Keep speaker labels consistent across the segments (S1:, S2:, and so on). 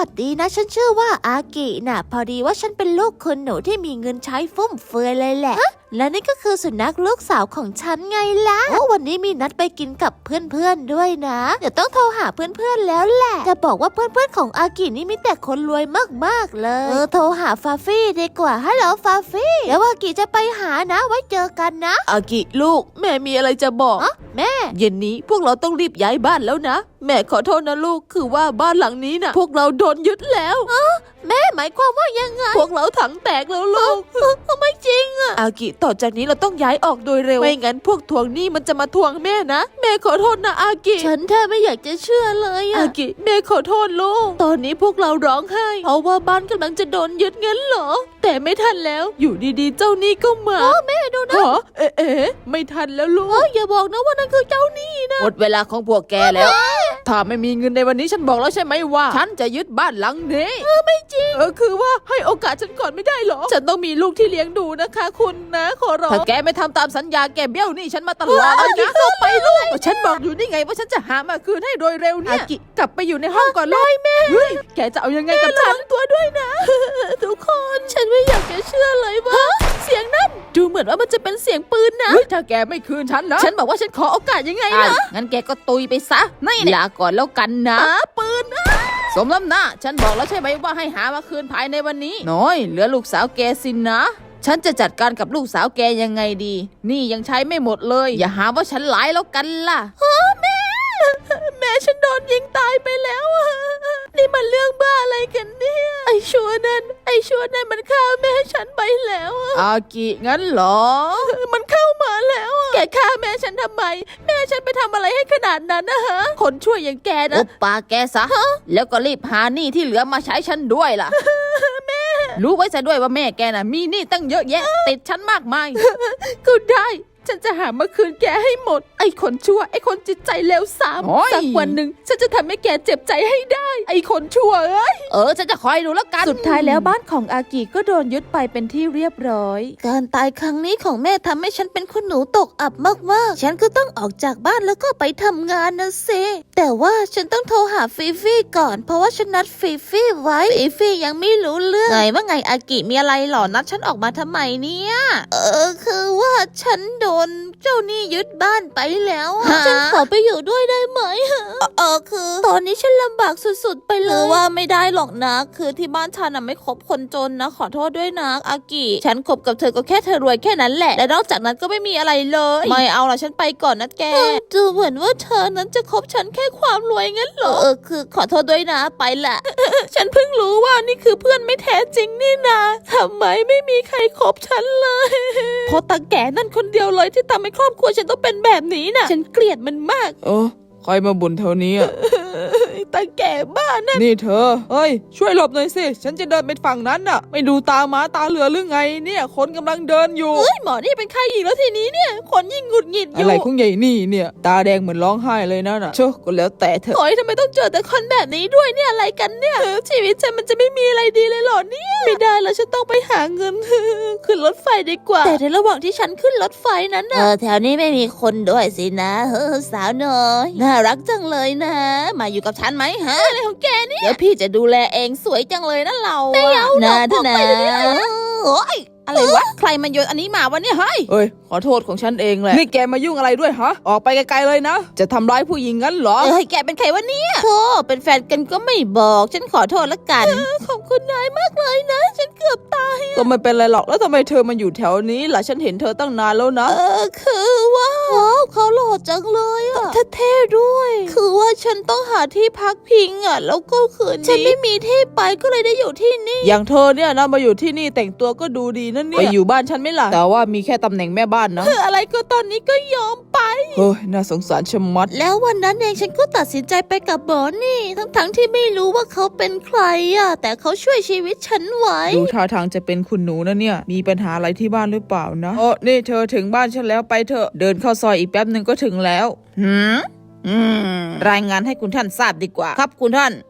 S1: สดีนะฉันชื่อว่าอากิน่ะพอดีว่าฉันเป็นลูกคุณหนูที่มีเงินใช้ฟุ่มเฟือยเลยแหละและนี่ก็คือสุนัขลูกสาวของฉันไงล่ะวันนี้มีนัดไปกินกับเพื่อนๆด้วยนะเดี๋ยวต้องโทรหาเพื่อนๆแล้วแหละจะบอกว่าเพื่อนๆของอากินี่มีแต่คนรวยมากๆเลยโทรหาฟาฟี่ดีกว่าฮัลโหลฟาฟี่เดี๋ยวอากิจะไปหานะไว้เจอกันนะ
S2: อากิลูกแม่มีอะไรจะบอก
S1: แม่
S2: เย็นนี้พวกเราต้องรีบย้ายบ้านแล้วนะแม่ขอโทษนะลูกคือว่าบ้านหลังนี้นะพวกเราโดนยึดแล้ว
S1: แม่หมายความว่ายังไง
S2: พวกเราถังแตกแล้วลูก
S1: ไม่จริงอะ
S2: อากิต่อจากนี้เราต้องย้ายออกโดยเร็วไม่งั้นพวกทวงหนี้มันจะมาทวงแม่นะแม่ขอโทษนะอากิ
S1: ฉันแทบไม่อยากจะเชื่อเลย
S2: อากิแม่ขอโทษลูกตอนนี้พวกเราร้องไห้เพราะว่าบ้านกำลังจะโดนยึดเงินเหรอแต่ไม่ทันแล้วอยู่ดีๆเจ้าหนี้ก็มา
S1: แม่ดูนะ
S2: ไม่ทันแล้วลูก
S1: อย่าบอกนะว่านั่นคือเจ้าหนี้นะ
S2: หมดเวลาของพวกแกแล้วถ้าไม่มีเงินในวันนี้ฉันบอกแล้วใช่ไหมว่าฉันจะยึดบ้านหลังนี้
S1: ไม่จริง
S2: คือว่าให้โอกาสฉันก่อนไม่ได้หรอฉันต้องมีลูกที่เลี้ยงดูนะคะคุณนะขอร้องถ้าแกไม่ทำตามสัญญาแกเบี้ยวหนี้ฉันมาตลอดเลยนะ
S1: ไปลูก
S2: ฉันบอกอยู่นี่ไงว่าฉันจะหามาคืนให้โดยเร็วเนี่ยกลับไปอยู่ในห้องก่อนเลยแม่แกจะเอายังไงกับฉัน
S1: ตัวด้วยนะทุกคนฉันไม่อยากจะเชื่อเลยว่าเสียงนั้นดูเหมือนว่ามันจะเป็นเสียงปืนนะ
S2: ถ้าแกไม่คืนฉันนะ
S1: ฉันบอกว่าฉันขอโอกาสยังไงนะ
S2: งั้นแกก็ตุยไปซะนี่ลาก่อนแล้วกันนะ
S1: ปืน
S2: สมน้ำหน้าฉันบอกแล้วใช่ไหมว่าให้หามาคืนภายในวันนี้น้อยเหลือลูกสาวแกสินนะฉันจะจัดการกับลูกสาวแกยังไงดีนี่ยังใช้ไม่หมดเลยอย่าหาว่าฉันหลายแล้วกันล่ะ
S1: แม่ฉันโดนยิงตายไปแล้วนี่มันเรื่องบ้าอะไรกันเนี่ยไอ้ชัวนั่นมันฆ่าแม่ฉันไปแล้ว
S2: อากิงั้นเหรอ
S1: มันเข้ามาแล้วแกฆ่าแม่ฉันทำไมแม่ฉันไปทำอะไรให้ขนาดนั้นนะฮะ
S2: คนช่วยอย่างแกนะปาแกซะแล้วก็รีบหาหนี้ที่เหลือมาใช้ฉันด้วยล่ะ
S1: แม่
S2: รู้ไว้ซะด้วยว่าแม่แกน่ะมีหนี้ตั้งเยอะแยะติดฉันมากมาย
S1: ก็ได้ฉันจะหามาคืนแกให้หมดไอ้คนชั่วไอ้คนจิตใจเลวทรามสักวันหนึ่งฉันจะทำให้แกเจ็บใจให้ได้ไอ้คนชั่ว
S2: ฉันจะคอยดูแล้วกัน
S1: สุดท้ายแล้วบ้านของอากิก็โดนยึดไปเป็นที่เรียบร้อยการตายครั้งนี้ของแม่ทำให้ฉันเป็นคุณหนูตกอับมากๆฉันก็ต้องออกจากบ้านแล้วก็ไปทำงานนะสิแต่ว่าฉันต้องโทรหาฟีฟี่ก่อนเพราะว่าฉันนัดฟีฟี่ไว้ฟีฟี่ยังไม่รู้เรื่องว่าไงอากิมีอะไรหรอนัดฉันออกมาทำไมเนี่ยคือว่าฉันโดนเจ้าหนี้ยึดบ้านไปแล้วฉันขอไปอยู่ด้วยได้ไหมคือตอนนี้ฉันลำบากสุดๆไปเลยว่าไม่ได้หรอกนะคือที่บ้านฉันไม่คบคนจนนะขอโทษด้วยนะอากิฉันคบกับเธอก็แค่เธอรวยแค่นั้นแหละและนอกจากนั้นก็ไม่มีอะไรเลยไม่เอาละฉันไปก่อนนะแกดูเหมือนว่าเธอนั้นจะคบฉันแค่ความรวยงั้นเหรอคือขอโทษด้วยนะไปละ ฉันเพิ่งรู้ว่านี่คือเพื่อนไม่แท้จริงนี่นะทำไมไม่มีใครคบฉันเลยเพราะตาแก่นั่นคนเดียวเลยที่ทำให้ครอบครัวฉันต้องเป็นแบบนี้น่ะฉันเกลียดมันมาก
S2: ใครมาบ่นเท่านี้
S1: ตาแก่บ้านนั่น
S2: นี่เธอช่วยหลบหน่อยสิฉันจะเดินไปฝั่งนั้นน่ะไม่ดูตาม้าตาเรือหรือไงเนี่ยคนกำลังเดินอยู่
S1: หมอนี่เป็นใครอีกแล้วทีนี้เนี่ยคนยิ่งหงุดหงิดอยู่
S2: อะไรของใหญ่นี่เนี่ยตาแดงเหมือนร้องไห้เลยนะน่ะเชื่อก็แล้วแต่เธอ
S1: ทำไมต้องเจอแต่คนแบบนี้ด้วยเนี่ยอะไรกันเนี่ยชีวิตฉันมันจะไม่มีอะไรดีเลยหรอเนี่ยไม่ได้แล้วฉันต้องไปหาเงินขึ้นรถไฟดีกว่าแต่ในระหว่างที่ฉันขึ้นรถไฟนั้นแถวนี้ไม่มีคนด้วยสินะสาวน้อยน่ารักจังเลยนะมาอยู่กับฉันไหมฮะอะไรของแกเนี่ยเดี๋ยวพี่จะดูแลเองสวยจังเลยนะเราไม่เอานะท่านนะโอ๊ยอะไรวะใครมาโยนอันนี้มาวะเนี่ยเ
S2: ฮ้ยขอโทษของฉันเองแหละนี่แกมายุ่งอะไรด้วยฮะออกไปไกลๆเลยนะจะทำร้ายผู้หญิงงั้นเหรอ
S1: แกเป็นใครวะเนี่ยโธ่เป็นแฟนกันก็ไม่บอกฉันขอโทษละกันขอบคุณนายมากเลยนะฉันเกือบตาย
S2: ก็ไม่เป็นไรหรอกแล้วทำไมเธอมาอยู่แถวนี้ล่ะฉันเห็นเธอตั้งนานแล้วนะ
S1: คือว่าเขาหล่อจังเลยเท่ด้วยคือว่าฉันต้องหาที่พักพิงแล้วก็คืนนี้ฉันไม่มีที่ไปก็เลยได้อยู่ที่นี่
S2: อย่างเธอเนี่ยนะมาอยู่ที่นี่แต่งตัวก็ดูดีนั่นเนี่ยไปอยู่บ้านฉันไม่ล่ะแต่ว่ามีแค่ตำแหน่งแม่บ้านนะ
S1: อะไรก็ตอนนี้ก็ยอมไป
S2: เฮ้ยน่าสงสารชะมัด
S1: แล้ววันนั้นเองฉันก็ตัดสินใจไปกับหมอนี่ทั้งที่ไม่รู้ว่าเขาเป็นใครแต่เขาช่วยชีวิตฉันไว้
S2: ดูท่าทางจะเป็นคุณหนูนะเนี่ยมีปัญหาอะไรที่บ้านหรือเปล่านะนี่เธอถึงบ้านฉันแล้วไปเถอะเดินเข้าซอยอีกแป๊บนึงก็ถึงแล้วรายงานให้คุณท่านทราบดีกว่าครับคุณท่าน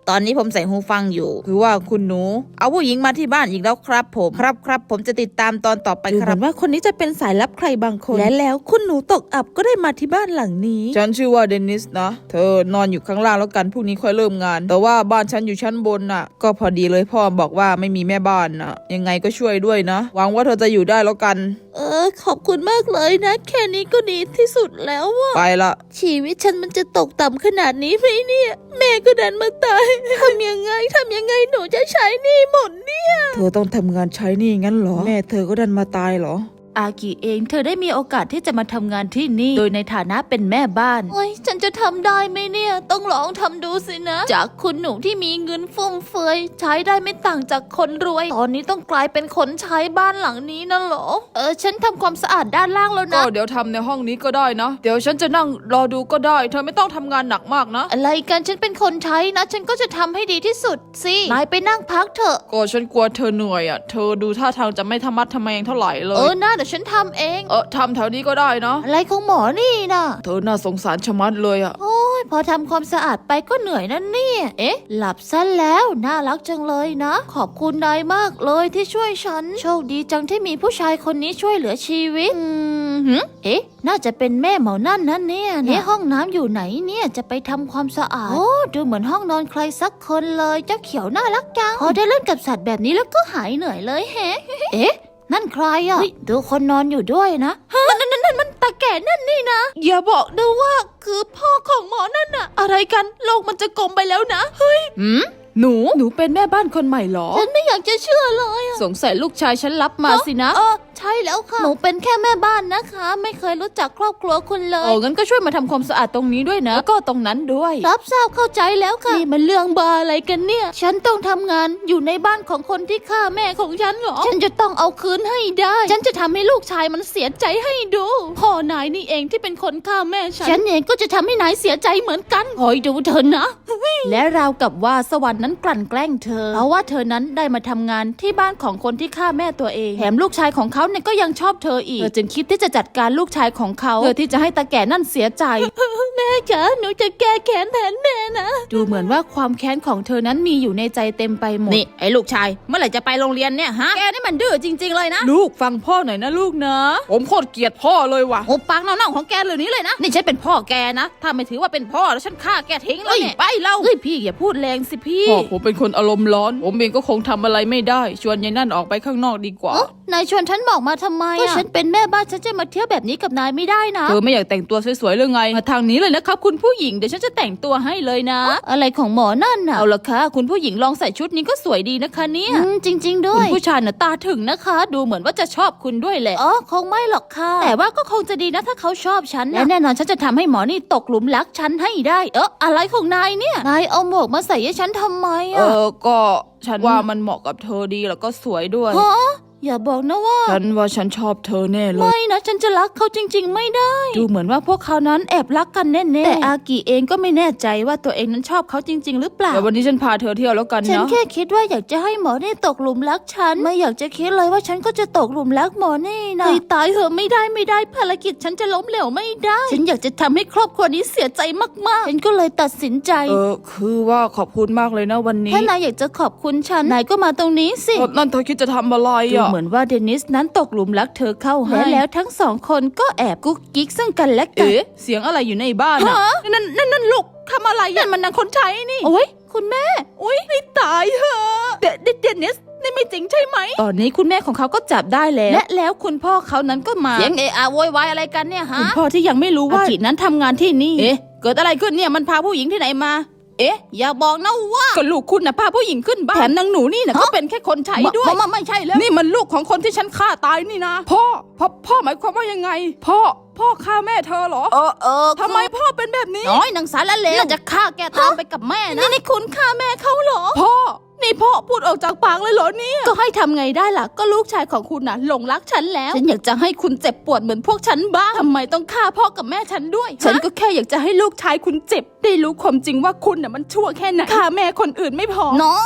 S2: ตอนนี้ผมใส่หูฟังอยู่คือว่าคุณหนูเอาผู้หญิงมาที่บ้านอีกแล้วครับผมครับผมจะติดตามตอนต่อไป
S1: ดู
S2: ค
S1: เห
S2: รั
S1: มื
S2: บ
S1: อนว่าคนนี้จะเป็นสายลับใครบางคน และแล้วคุณหนูตกอับก็ได้มาที่บ้านหลังนี้
S2: ฉันชื่อว่าเดนิสนะเธอนอนอยู่ข้างล่างแล้วกันพรุ่งนี้ค่อยเริ่มงาน แต่ว่าบ้านฉันอยู่ชั้นบนน่ะ ก็พอดีเลยพ่อบอกว่าไม่มีแม่บ้านน่ะ ยังไงก็ช่วยด้วยนะหวังว่าเธอจะอยู่ได้แล้วกัน
S1: ขอบคุณมากเลยนะ แค่นี้ก็ดีที่สุดแล้วอะ
S2: ไปละ
S1: ชีวิตฉันมันจะตกต่ำขนาดนี้ไหมเนี่ย แม่ก็ดันมาตาย ทำยังไงหนูจะใช้หนี้หมดเนี่ย
S2: เธอต้องทำงานใช้หนี่งั้นเหรอแม่เธอก็ดันมาตายเหรอ
S1: อากิเองเธอได้มีโอกาสที่จะมาทำงานที่นี่ โดยในฐานะเป็นแม่บ้านโอ้ยฉันจะทำได้ไหมเนี่ย ต้องลองทำดูสินะ จากคุณหนูที่มีเงินฟุ่มเฟือยใช้ได้ไม่ต่างจากคนรวย ตอนนี้ต้องกลายเป็นคนใช้บ้านหลังนี้นะเหรอ ฉันทำความสะอาดด้านล่างแล้ว
S2: ก็
S1: นะ
S2: เดี๋ยวทำในห้องนี้ก็ได้นะเดี๋ยวฉันจะนั่งรอดูก็ได้เธอไม่ต้องทำงานหนักมากนะ
S1: อะไรกันฉันเป็นคนใช้นะ ฉันก็จะทำให้ดีที่สุดสินายไปนั่งพักเถอะ
S2: ก็ฉันกลัวเธอเหนื่อยอ่ะเธอดูท่าทางจะไม่ทำมัดทำแมงเท่าไหร่เลย
S1: น่าเดี๋ยวฉันทำเอง
S2: ทำแถวนี้ก็ได้นะ
S1: อะไรของหมอนี่นะ
S2: เธอน่าสงสารชะมัดเลยอ่ะ
S1: โอ้ยพอทำความสะอาดไปก็เหนื่อยนั่นเนี่ย หลับซะแล้วน่ารักจังเลยนะ ขอบคุณนายมากเลยที่ช่วยฉัน โชคดีจังที่มีผู้ชายคนนี้ช่วยเหลือชีวิตน่าจะเป็นแม่หมอนั่นนะเนี่ยห้องน้ำอยู่ไหนเนี่ยจะไปทำความสะอาด โอ้ดูเหมือนห้องนอนใครสักคนเลยเจ้าเขียวน่ารักจังพอได้เล่นกับสัตว์แบบนี้แล้วก็หายเหนื่อยเลยแฮะ นั่นใครอ่ะดูคนนอนอยู่ด้วยนะนั่นมันตาแก่นั่นนี่นะ อย่าบอกนะว่าคือพ่อของหมอนั่นน่ะ อะไรกันโลกมันจะกลมไปแล้วนะ เฮ้ย
S2: หนูเป็นแม่บ้านคนใหม่เหรอ
S1: ฉันไม่อยากจะเชื่อเลยอะ
S2: สงสัยลูกชายฉันรับมาสินะ
S1: ใช่แล้วค่ะ หนูเป็นแค่แม่บ้านนะคะ ไม่เคยรู้จักครอบครัวคุณเลย
S2: งั้นก็ช่วยมาทำความสะอาดตรงนี้ด้วยนะแล้วก็ตรงนั้นด้วย
S1: รับทราบเข้าใจแล้วค่ะ นี่มันเรื่องบาอะไรกันเนี่ย ฉันต้องทำงานอยู่ในบ้านของคนที่ฆ่าแม่ของฉันเหรอ ฉันจะต้องเอาคืนให้ได้ ฉันจะทำให้ลูกชายมันเสียใจให้ดูพ่อนายนี่เองที่เป็นคนฆ่าแม่ฉันเองก็จะทำให้นายเสียใจเหมือนกันคอยดูเธอนะ และราวกับว่าสวรรค์นั้นกลั่นแกล้งเธอ เพราะว่าเธอนั้นได้มาทำงานที่บ้านของคนที่ฆ่าแม่ตัวเอง แถมลูกชายของเขาเนี่ยก็ยังชอบเธออีก เธอจึงคิดที่จะจัดการลูกชายของเขาเพื่อที่จะให้ตาแก่นั่นเสียใจ แม่คะหนูจะแก้แค้นแทนแม่นะ ดูเหมือนว่าความแค้นของเธอนั้นมีอยู่ในใจเต็มไปหมด
S2: นี่ไอ้ลูกชายเมื่อไหร่จะไปโรงเรียนเนี่ยฮะแกนี่มันดื้อจริงๆเลยนะ
S1: ลูกฟังพ่อหน่อยนะลูกนะ
S2: ผมโคตรเกลียดพ่อเลยว่ะหุบปากเน่าๆของแกเลยนี้เลยนะนี่ฉันเป็นพ่อแกนะถ้าไม่ถือว่าเป็นพ่อแล้วฉันฆ่าแกทิ้งเลยเนี่ยไปเล่า
S1: เฮ้ยพี่อย่าพูดแรงสิพี่
S2: พ่อผมเป็นคนอารมณ์ร้อนผมเองก็คงทำอะไรไม่ได้ชวนยายนั่นออกไปข้างนอกดีกว่า
S1: นายชวนฉันบอกมาทำไมก็ฉันเป็นแม่บ้านฉันจะมาเที่ยวแบบนี้กับนายไม่ได้นะ
S2: เธอไม่อยากแต่งตัวสวยๆหรือไงมาทางนี้เลยนะครับคุณผู้หญิงเดี๋ยวฉันจะแต่งตัวให้เลยนะ
S1: อะไรของหมอนั่นน่ะ
S2: เอาละค่ะคุณผู้หญิงลองใส่ชุดนี้ก็สวยดีนะคะเนี่ย
S1: จริง ๆ ด้
S2: คุ
S1: ว
S2: ณ
S1: ย
S2: ผู้ชายน่ะตาถึงนะคะ ดูเหมือนว่าจะชอบคุณด้วยแหละ
S1: คงไม่หรอกค่ะ แต่ว่าก็คงจะดีนะถ้าเขาชอบฉันและแน่นอนฉันจะทำให้หมอนี่ตกหลุมรักฉันให้ได้ อะไรของนายเนี่ย นายเอาหมวกมาใส่ให้ฉันทำไมอะ
S2: ก็ฉันว่ามันเหมาะกับเธอดีแล้วก็สวยด้วย
S1: ฮะอย่าบอกนะว่า
S2: ฉันว่าฉันชอบเธอแน่เลย
S1: ไม่นะฉันจะรักเขาจริง ๆ ไม่ได้ ดูเหมือนว่าพวกเขานั้นแอบรักกันแน่ๆแต่อากิเองก็ไม่แน่ใจว่าตัวเองนั้นชอบเขาจริง ๆ หรือเปล่า
S2: เดี๋ยววันนี้ฉันพาเธอเที่ยวแล้วกัน
S1: ฉัน
S2: นะ
S1: แค่คิดว่าอยากจะให้หมอนี่ตกหลุมรักฉัน ไม่อยากจะคิดเลยว่าฉันก็จะตกหลุมรักหมอนี่นะตายเหอะไม่ได้ภารกิจฉันจะล้มเหลวไม่ได้ ฉันอยากจะทำให้ครอบครัวนี้เสียใจมากๆ ฉันก็เลยตัดสินใจ
S2: คือว่าขอบคุณมากเลยนะวันนี้
S1: ถ้านายอยากจะขอบคุณฉันนายก็มาตรงนี้สิ
S2: นั่นเธอคิดจะทำอะไร
S1: ดู
S2: อ่ะ
S1: เหมือนว่าเดนิสนั้นตกหลุมรักเธอเข้าให้และแล้วทั้งสองคนก็แอบกุ๊กกิ๊กซึ่งกันและกัน
S2: เสียงอะไรอยู่ในบ้านอ่ะนั่นลูกทำอะไรนั่นมันนางคนใช้นี่
S1: โอ้ยคุณแม่
S2: อุ้ยให้ตายเหอะเดนิสนี่ไม่จริงใช่ไหม
S1: ตอนนี้คุณแม่ของเขาก็จับได้แล้วและแล้วคุณพ่อเขานั้นก็มา
S2: เสียงโวยวายอะไรกันเนี่ยฮะ
S1: คุณพ่อที่ยังไม่รู้ว่าอากินั้นทำงานที่นี่
S2: เกิดอะไรขึ้นเนี่ยมันพาผู้หญิงที่ไหนมาอย่าบอกนะว่าก็ลูกคุณน่ะพาผู้หญิงขึ้นบ้านแถมนางหนูนี่น่ะก็เป็นแค่คนใช้ด้วย
S1: ไม่ใช่แล้ว
S2: นี่มันลูกของคนที่ฉันฆ่าตายนี่นะพ่อหมายความว่ายังไงพ่อฆ่าแม่เธอเหรอทำไมพ่อเป็นแบบนี้
S1: น้อยนางสารเลวน่าจะฆ่าแกตามไปกับแม่นะนี่คุณฆ่าแม่เขาเหรอ
S2: นี่พ่อพูดออกจากปากเลยเหรอเนี่ย
S1: ก็ให้ทำไงได้ล่ะก็ลูกชายของคุณน่ะหลงรักฉันแล้วฉันอยากจะให้คุณเจ็บปวดเหมือนพวกฉันบ้างทำไมต้องฆ่าพ่อกับแม่ฉันด้วยฉันก็แค่อยากจะให้ลูกชายคุณเจ็บได้รู้ความจริงว่าคุณน่ะมันชั่วแค่ไหนฆ่าแม่คนอื่นไม่พอน้อย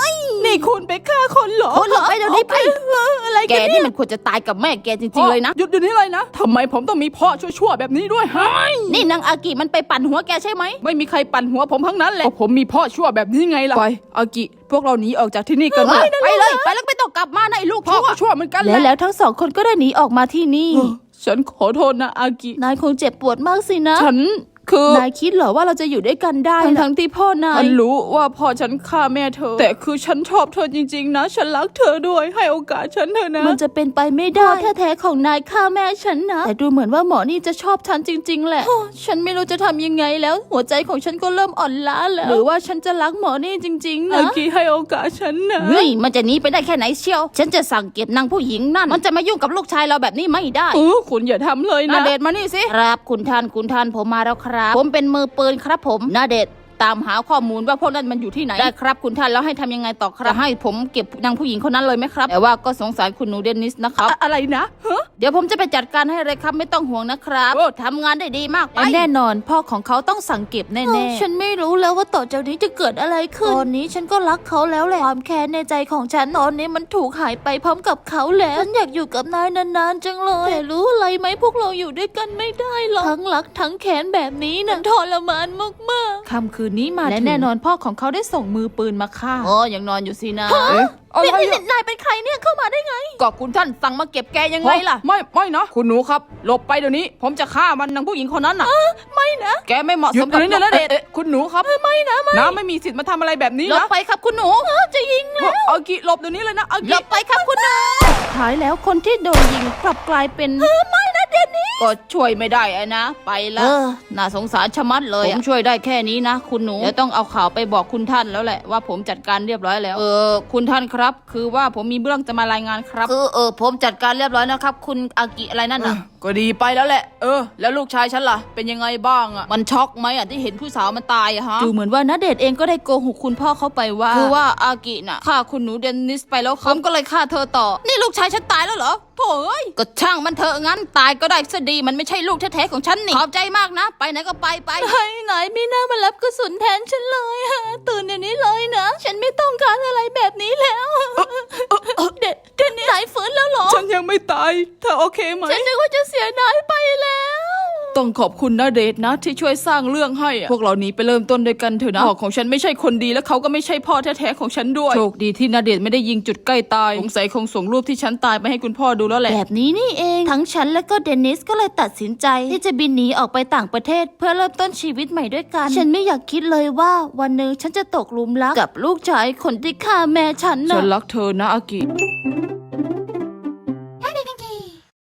S2: นี่คุณไปฆ่าคนเหรอ
S3: คนเหรอไปเดี๋ยวนี้ไป
S2: อะไร
S3: แก
S2: กัน
S3: นี่มันควรจะตายกับแม่แกจริงๆเลยนะ
S2: หยุดเดี๋ยวนี้เลยนะทำไมผมต้องมีพ่อชั่วๆแบบนี้ด้วยฮะ
S3: นี่นางอากิมันไปปั่นหัวแกใช่ไหม
S2: ไม่มีใครปั่นหัวผมทั้งนั้นแหละผมมีพ่อชั่วแบบนี้ไงล่ะไปอากิพวกเราหนีออกจากที่นี่กันเถอะ
S3: ไปเลยไปแล้วไม่ต้องกลับมานะไอ้ลูก
S2: พ่อ
S3: ชั่ว
S2: ก็ชั่วเหมือนกันแห
S1: และ
S2: ละ
S1: แล้วทั้งสองคนก็ได้หนีออกมาที่นี่
S2: ฉันขอโทษนะอากิ
S1: นายคงเจ็บปวดมากสินะ
S2: ฉันคือน
S1: ายคิดเหรอว่าเราจะอยู่ด้วยกันได้ ทั้งที่พ่อนาย
S2: ฉันรู้ว่าพ่อฉันฆ่าแม่เธอ แต่คือฉันชอบเธอจริงๆนะ ฉันรักเธอด้วยให้โอกาสฉันเถอะนะ
S1: มันจะเป็นไปไม่ได้พ่อแท้ๆของนายฆ่าแม่ฉันนะ แต่ดูเหมือนว่าหมอนี่จะชอบฉันจริง ๆ แหละ ฉันไม่รู้จะทำยังไงแล้ว หัวใจของฉันก็เริ่มอ่อนล้าแล้วหรือว่าฉันจะรักหมอนี่จริงๆ
S2: อา
S1: นะ
S2: กิให้โอกาสฉันนะ
S3: เฮ้ยมันจะหนีไปได้แค่ไหนเชียว ฉันจะสั่งเก็บนางผู้หญิงนั่น มันจะมายุ่งกับลูกชายเราแบบนี้ไม่ได้
S2: คุณอย่าทำเลย
S3: นา
S2: นะ
S3: เดชน์มานี่สิครับคุณท่านผมมาแล้วครับ ผมเป็นมือปืนครับผมนาเดชน์ตามหาข้อมูลว่าพวกนั้นมันอยู่ที่ไหนได้ครับคุณท่านแล้วให้ทำยังไงต่อครับจะให้ผมเก็บนางผู้หญิงคนนั้นเลยไหมครับแต่ว่าก็สงสารคุณหนูเดนิสนะครับ
S2: อะไรนะฮะ
S3: เดี๋ยวผมจะไปจัดการให้เลยครับไม่ต้องห่วงนะครับ
S2: โอ้
S3: ทำงานได้ดีมากไป
S1: และแน่นอนพ่อของเขาต้องสั่งเก็บแน่ๆ ฉันไม่รู้แล้วว่าต่อจากนี้จะเกิดอะไรขึ้น ตอนนี้ฉันก็รักเขาแล้วแหละ ความแค้นในใจของฉันตอนนี้มันถูกหายไปพร้อมกับเขาแล้ว ฉันอยากอยู่กับนายนานๆจังเลย แต่รู้อะไรไหมพวกเราอยู่ด้วยกันไม่ได้หรอก ทั้งรักทั้งแค้นแบบนี้นะทรมานมากๆ
S2: ค่ำคืนนี้มา
S1: และ
S2: ถึง
S1: แน่นอนพ่อของเขาได้ส่งมือปืนมาฆ่า
S3: โอ้ยังนอนอยู่สินะ
S2: เอ๊ะอะไรอะ
S1: นายเป็นใครเนี่ยเข้ามาได้ไง
S3: ก็คุณท่านสั่งมาเก็บแกยังไงล่ะ
S2: ไม่นะคุณหนูครับหลบไปเดี๋ยวนี้ ผมจะฆ่ามันนางผู้หญิงคนนั้นน่ะ
S3: ไม่นะ
S2: แกไม่เหมาะสมกับณเดชน์คุณหนูครับไม่นะน้าไม่มีสิทธิ์มาทำอะไรแบบนี้
S3: หลบ
S2: นะ
S3: ไปครับคุณหนูจะยิง
S2: อากิหลบเดี๋ยวนี้เลยนะอา
S3: หล
S2: กิ
S3: บไปครับคุณหนู
S1: ท้ายแล้วคนที่โดนยิงกลับกลายเป็น
S3: ก็ช่วยไม่ได้อะนะ ไปละ
S1: เออ
S3: น่าสงสารชะมัดเลยผมช่วยได้แค่นี้นะ คุณหนูเดี๋ยวต้องเอาข่าวไปบอกคุณท่านแล้วแหละว่าผมจัดการเรียบร้อยแล้วคุณท่านครับ คือว่าผมมีเรื่องจะมารายงานครับคือผมจัดการเรียบร้อยแล้วครับ คุณอากิอะไรนั่นน่ะ
S2: ก็ดีไปแล้วแหละแล้วลูกชายฉันล่ะเป็นยังไงบ้างอะ
S3: มันช็อกไหมอ่ะที่เห็นผู้สาวมันตายอะฮะ
S1: ดูเหมือนว่าณเดชน์เองก็ได้โกหกคุณพ่อเขาไปว่า
S3: คือว่าอากิน่ะฆ่าคุณหนูเดนนิสไปแล้วครับผมก็เลยฆ่าเธอต่อ นี่ลูกชายฉันตายแล้วเหรอโถ่เอ้ยก็ช่างมันเถอะงั้นตายก็ได้ซะดีมันไม่ใช่ลูกแท้ๆของฉันนี่ขอบใจมากนะ ไปไหนก็ไป
S1: ไหนไม่น่ามารับกระสุนแทนฉันเลยอะตื่นเดี๋ยวนี้เลยนะ ฉันไม่ต้องการอะไรแบบนี้แล้วเด็ดนายฟื้นแล้วเหรอ
S2: ฉันยังไม่ตายเธอโอเคไหม
S1: ฉันนึกว่าจะเสียนายไปแล้ว
S2: ต้องขอบคุณณเดชน์นะที่ช่วยสร้างเรื่องให้อะพวกเราหนีไปเริ่มต้นด้วยกันเถอะนะพ่อของฉันไม่ใช่คนดีและเขาก็ไม่ใช่พ่อแท้ๆของฉันด้วยโชคดีที่ณเดชน์ไม่ได้ยิงจุดใกล้ตายสงสัยคงส่งรูปที่ฉันตายไปให้คุณพ่อดูแล้วแหละ
S1: แบบนี้นี่เอง ทั้งฉันและก็เดนิสก็เลยตัดสินใจ ที่จะบินหนีออกไปต่างประเทศ เพื่อเริ่มต้นชีวิตใหม่ด้วยกัน ฉันไม่อยากคิดเลยว่าวันหนึ่งฉันจะตกหลุมรักกับลูกชายคนที่ฆ่าแม่ฉัน
S2: ฉั
S1: นะ
S2: นรักเธอนะอากิ